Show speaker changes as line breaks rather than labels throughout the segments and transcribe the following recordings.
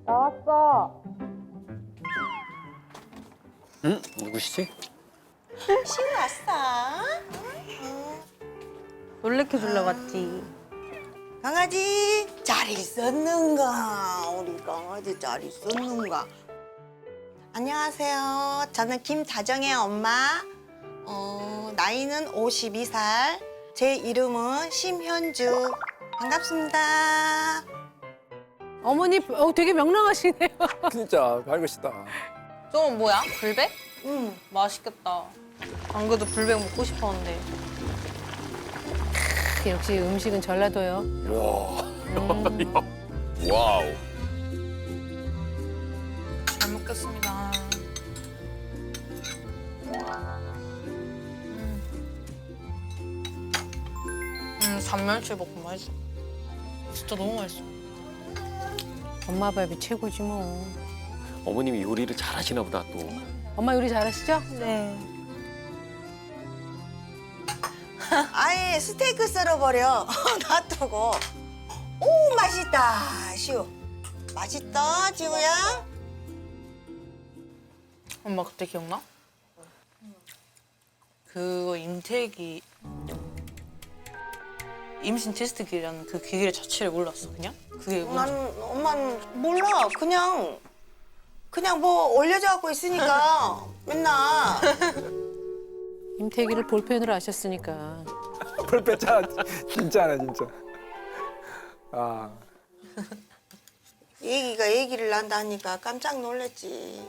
나왔어.
응? 누구시지?
시우 왔어?
놀래켜 주려고 왔지.
강아지 잘 있었는가? 우리 강아지 잘 있었는가? 안녕하세요. 저는 김다정의 엄마. 나이는 52살. 제 이름은 심현주. 반갑습니다.
어머니 되게 명랑하시네요.
진짜 밝으시다.
저건 뭐야? 불백?
응.
맛있겠다. 안 그래도 불백 먹고 싶었는데. 역시 음식은 전라도요.
와. 와우.
잘 먹겠습니다. 단멸치 볶음 맛있어. 진짜 너무 맛있어. 엄마 밥이 최고지 뭐.
어머님이 요리를 잘하시나 보다 또.
엄마 요리 잘하시죠? 네.
아예 스테이크 썰어버려. 놔두고. 오, 맛있다, 시우. 맛있다, 지우야.
엄마 그때 기억나? 그거 임태기 임신 테스트 기라는 그 기계 자체를 몰랐어 그냥? 그게 뭔지.
엄마는 몰라. 그냥 뭐 올려져 갖고 있으니까 맨날.
임태기를 볼펜으로 아셨으니까.
펄 뺐잖아. 진짜네, 진짜. 아.
얘기를 난다니까 깜짝 놀랐지.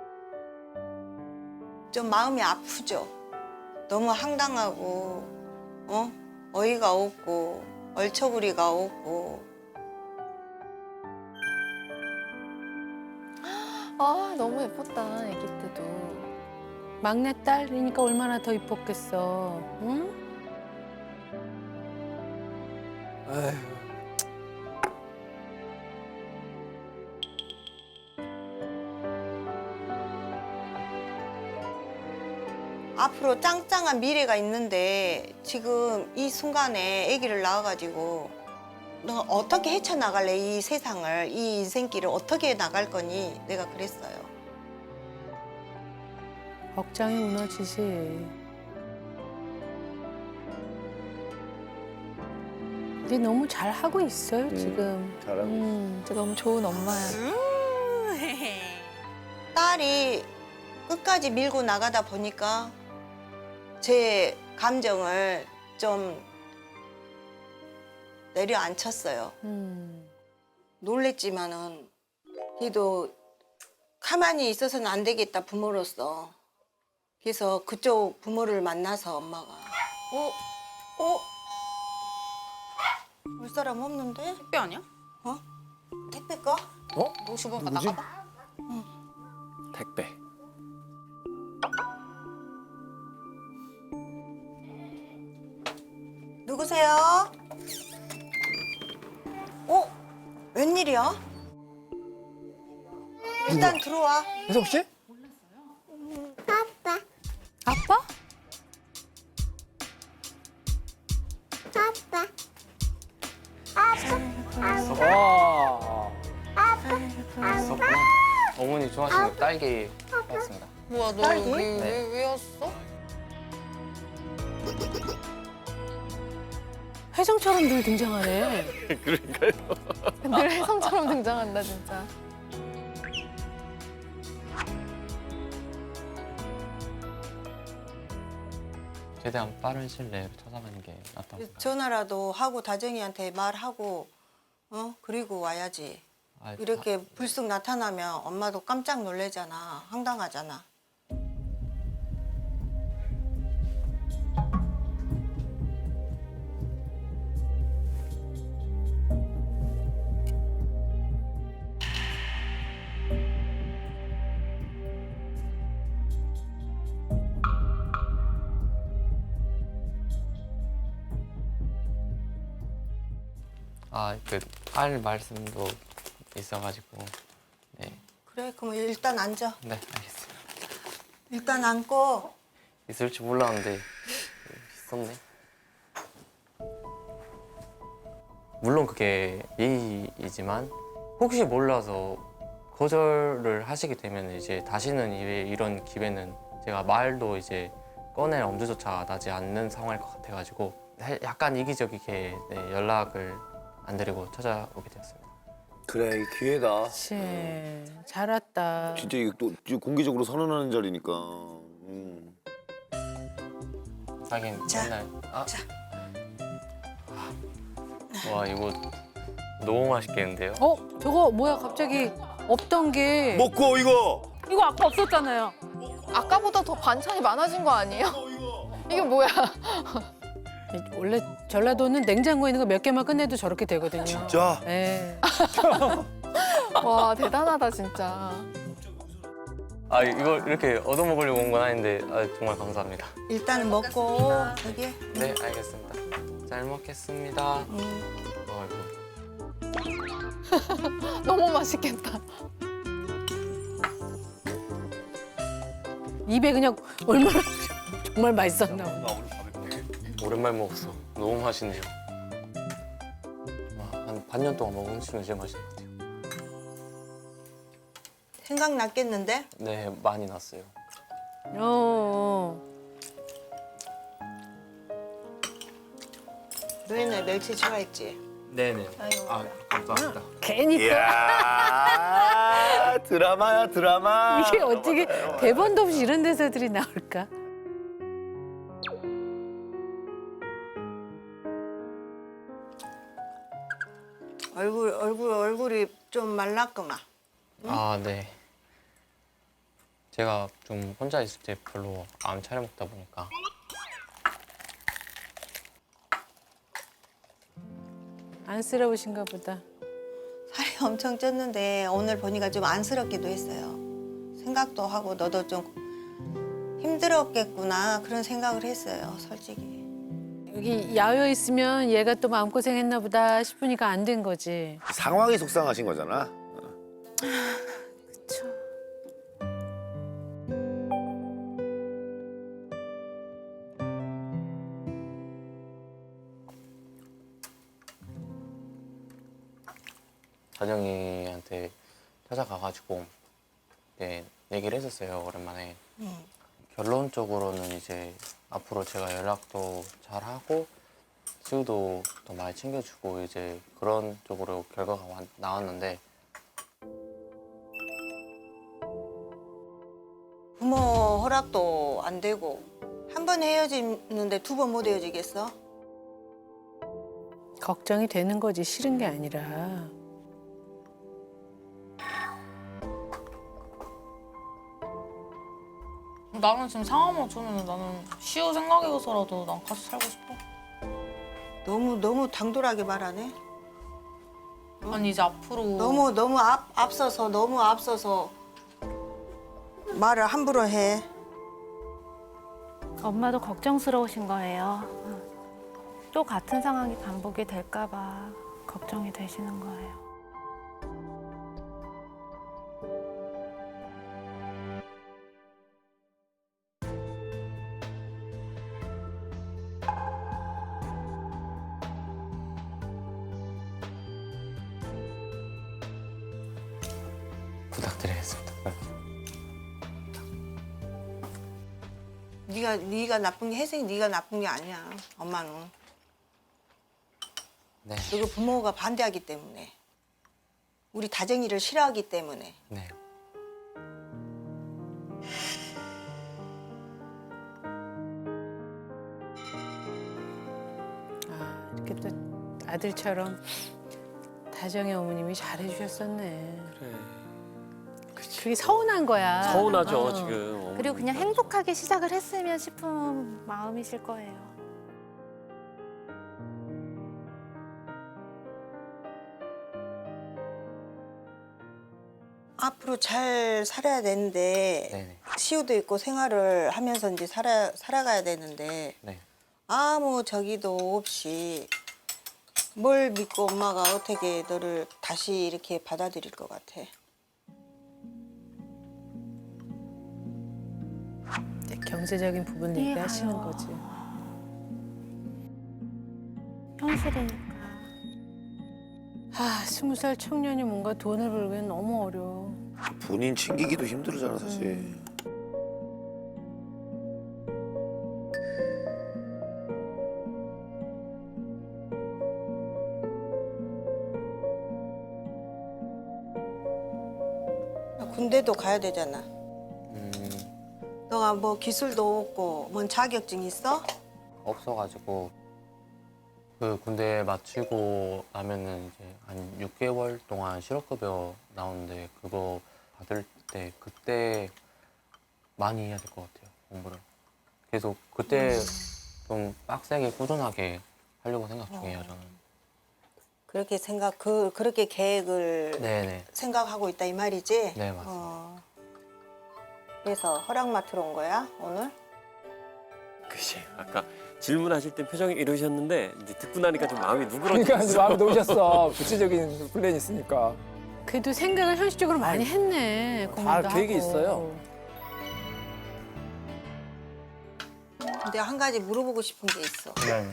좀 마음이 아프죠. 너무 황당하고, 어이가 없고, 얼처부리가 없고.
아, 너무 예뻤다, 아기 때도.
막내딸이니까 얼마나 더 이뻤겠어. 응?
아휴.
앞으로 짱짱한 미래가 있는데 지금 이 순간에 아기를 낳아가지고 너 어떻게 헤쳐나갈래? 이 세상을, 이 인생길을 어떻게 나갈 거니? 내가 그랬어요.
걱정이 무너지지. 근데 너무 잘하고 있어요, 지금.
잘하고
진짜 너무 좋은 엄마야.
딸이 끝까지 밀고 나가다 보니까 제 감정을 좀 내려앉혔어요. 놀랬지만은 그래도 가만히 있어서는 안 되겠다, 부모로서. 그래서 그쪽 부모를 만나서 엄마가 올 사람 없는데?
택배 아니야?
택배 거?
어?
50원
누구지?
나가봐.
택배.
누구세요? 웬일이야? 일단 들어와.
혜석 씨?
아빠?
와.
있었구나. 어머니 좋아하시는 딸기 사왔습니다.
뭐야 너
딸기?
여기
네.
왜 왔어?
혜성처럼 늘 등장하네.
늘 혜성처럼 등장한다, 진짜.
최대한 빠른 시일 내에 찾아가는 게 낫다고 생각합니다.
전화라도 하고 다정이한테 말하고 그리고 와야지. 이렇게 불쑥 나타나면 엄마도 깜짝 놀래잖아. 황당하잖아.
그 딸 말씀도 있어가지고 네,
그래, 그럼 일단 앉아.
네 알겠습니다.
일단 앉고.
있을 줄 몰랐는데 있었네. 물론 그게 예의이지만 혹시 몰라서 거절을 하시게 되면 이제 다시는 이런 기회는 제가 말도 이제 꺼낼 엄두조차 나지 않는 상황일 것 같아가지고 약간 이기적이게 네, 연락을 안 드리고 찾아오게 되었습니다.
그래, 기회다.
그치. 잘 왔다.
진짜 이거 또 공개적으로 선언하는 자리니까.
하긴
자,
맨날
자.
와 이거 너무 맛있겠는데요?
저거 뭐야 갑자기 없던 게.
먹고 이거.
이거 아까 없었잖아요.
아까보다 더 반찬이 많아진 거 아니에요? 이게 뭐야?
원래 전라도는 냉장고에 있는 거 몇 개만 끝내도 저렇게 되거든요.
진짜?
네.
와 대단하다 진짜.
아 이걸 이렇게 얻어먹으려고 온 건 아닌데 정말 감사합니다.
일단 먹고 저기
네 알겠습니다. 잘 먹겠습니다. 이거.
너무 맛있겠다.
입에 그냥 얼마나 정말 맛있었나 보다.
오랜만에 먹었어. 너무 맛있네요. 와, 한 반년 동안 먹은 음식 중에 제일 맛있는 것 같아요.
생각났겠는데?
네, 많이 났어요.
너희는 멸치 좋아했지?
네네. 아, 감사합니다.
괜히
이야, 드라마야, 드라마.
이게 어떻게 대본도 없이 이런 대사들이 나올까?
얼굴이 좀 말랐구만.
아, 네. 제가 좀 혼자 있을 때 별로 안 차려 먹다 보니까.
안쓰러우신가 보다.
살이 엄청 쪘는데 오늘 보니까 좀 안쓰럽기도 했어요. 생각도 하고 너도 좀 힘들었겠구나 그런 생각을 했어요, 솔직히.
여기 야외 있으면 얘가 또 마음고생했나 보다 싶으니까 안 된 거지.
상황이 속상하신 거잖아.
그쵸.
다정이한테 찾아가가지고 네, 얘기를 했었어요, 오랜만에. 결론적으로는 이제 앞으로 제가 연락도 잘하고 수유도 더 많이 챙겨주고 이제 그런 쪽으로 결과가 나왔는데
부모 허락도 안 되고 한 번 헤어지는데 두 번 못 헤어지겠어?
걱정이 되는 거지 싫은 게 아니라.
나는 지금 상황 맞추면 나는 시우 생각해서라도 난 같이 살고 싶어.
너무 당돌하게 말하네.
아니 이제 앞으로
너무 앞서서 말을 함부로 해.
엄마도 걱정스러우신 거예요. 또 같은 상황이 반복이 될까 봐 걱정이 되시는 거예요.
부탁드리겠습니다.
네가 나쁜 게 혜승이 네가 나쁜 게 아니야. 엄마는.
네.
그리고 부모가 반대하기 때문에. 우리 다정이를 싫어하기 때문에.
네.
아, 이렇게 또 아들처럼 다정의 어머님이 잘해주셨었네.
그래.
그게 서운한 거야.
서운하죠, 지금.
그리고 그냥 행복하게 시작을 했으면 싶은 마음이실 거예요.
앞으로 잘 살아야 되는데
네네.
시우도 있고 생활을 하면서 이제 살아가야 되는데
네.
아무 저기도 없이 뭘 믿고 엄마가 어떻게 너를 다시 이렇게 받아들일 것 같아.
경제적인 부분 얘기하시는
이해가요.
거지.
현실이니까.
아, 20살 청년이 뭔가 돈을 벌기엔 너무 어려워.
본인 챙기기도 힘들잖아 사실.
군대도 가야 되잖아.
음,
너가 뭐 기술도 없고 뭔 자격증 있어?
없어가지고 그 군대 마치고 나면은 이제 한 6개월 동안 실업급여 나오는데 그거 받을 때 그때 많이 해야 될 것 같아요, 공부를. 계속 그때 좀 빡세게 꾸준하게 하려고 생각 중이에요, 저는.
그렇게 계획을
네네.
생각하고 있다 이 말이지?
네, 맞습니다.
그래서 허락 맡으러 온 거야 오늘?
그치. 아까 질문하실 때 표정이 이러셨는데 이제 듣고 나니까 좀 마음이
그러니까
누그러졌어.
이제 마음에 놓으셨어. 구체적인 플랜이 있으니까.
그래도 생각을 현실적으로 많이 했네. 공부도
계획이
하고.
있어요.
근데 한 가지 물어보고 싶은 게 있어.
네.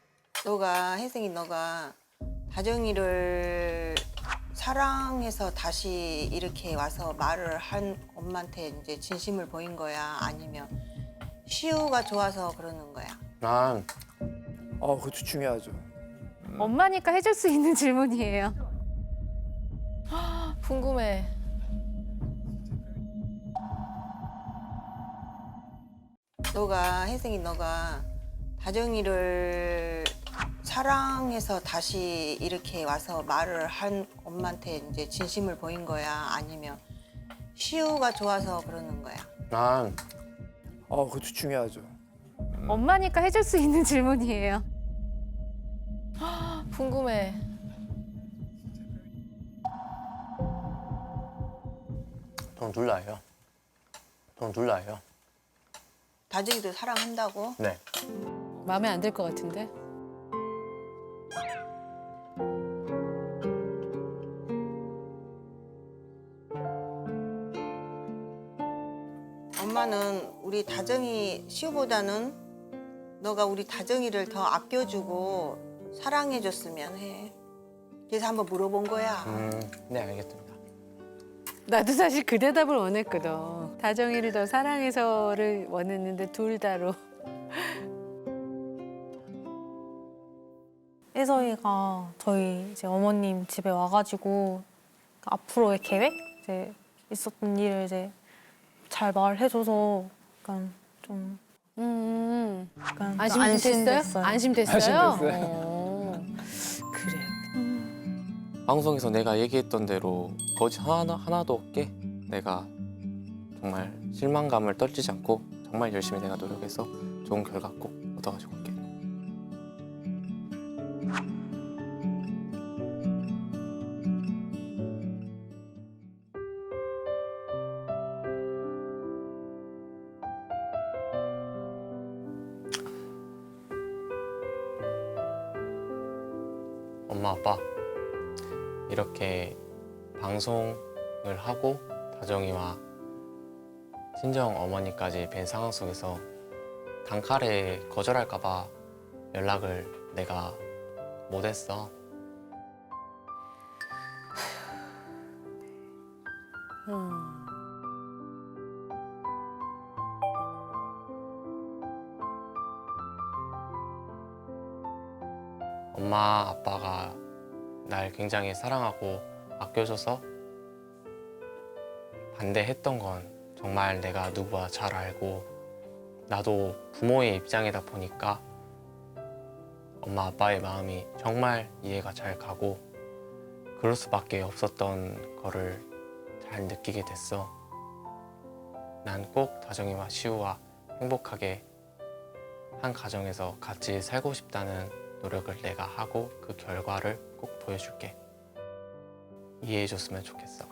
너가 다정이를 사랑해서 다시 이렇게 와서 말을 한 엄마한테 이제 진심을 보인 거야? 아니면 시우가 좋아서 그러는 거야?
난
그것도 중요하죠.
엄마니까 해줄 수 있는 질문이에요.
궁금해.
너가 다정이를 사랑해서 다시 이렇게 와서 말을 한 엄마한테 이제 진심을 보인 거야? 아니면 시우가 좋아서 그러는 거야?
난
그것도 중요하죠.
엄마니까 해줄 수 있는 질문이에요.
궁금해.
전 둘다예요. 전 둘다예요.
다정이도 사랑한다고?
네.
마음에 안 들 것 같은데.
엄마는 우리 다정이 시우보다는 너가 우리 다정이를 더 아껴주고 사랑해줬으면 해. 그래서 한번 물어본 거야.
네, 알겠습니다.
나도 사실 그 대답을 원했거든. 다정이를 더 사랑해서를 원했는데 둘 다로.
혜서이가 저희 이제 어머님 집에 와가지고 앞으로의 계획 이제 있었던 일을 이제 잘 말해줘서 약간 좀 약간
안심됐어요? 안심됐어요?
안심됐어요.
그래요.
방송에서 내가 얘기했던 대로 거짓 하나도 없게 내가 정말 실망감을 떨치지 않고 정말 열심히 내가 노력해서 좋은 결과 꼭 얻어가지고 올게. 엄마, 아빠 이렇게 방송을 하고 다정이와 친정 어머니까지 뵌 상황 속에서 단칼에 거절할까 봐 연락을 내가 못했어. 엄마, 아빠가 날 굉장히 사랑하고 아껴줘서 반대했던 건 정말 내가 누구보다 잘 알고 나도 부모의 입장이다 보니까 엄마, 아빠의 마음이 정말 이해가 잘 가고 그럴 수밖에 없었던 거를 잘 느끼게 됐어. 난 꼭 다정이와 시우와 행복하게 한 가정에서 같이 살고 싶다는 노력을 내가 하고 그 결과를 꼭 보여줄게. 이해해줬으면 좋겠어.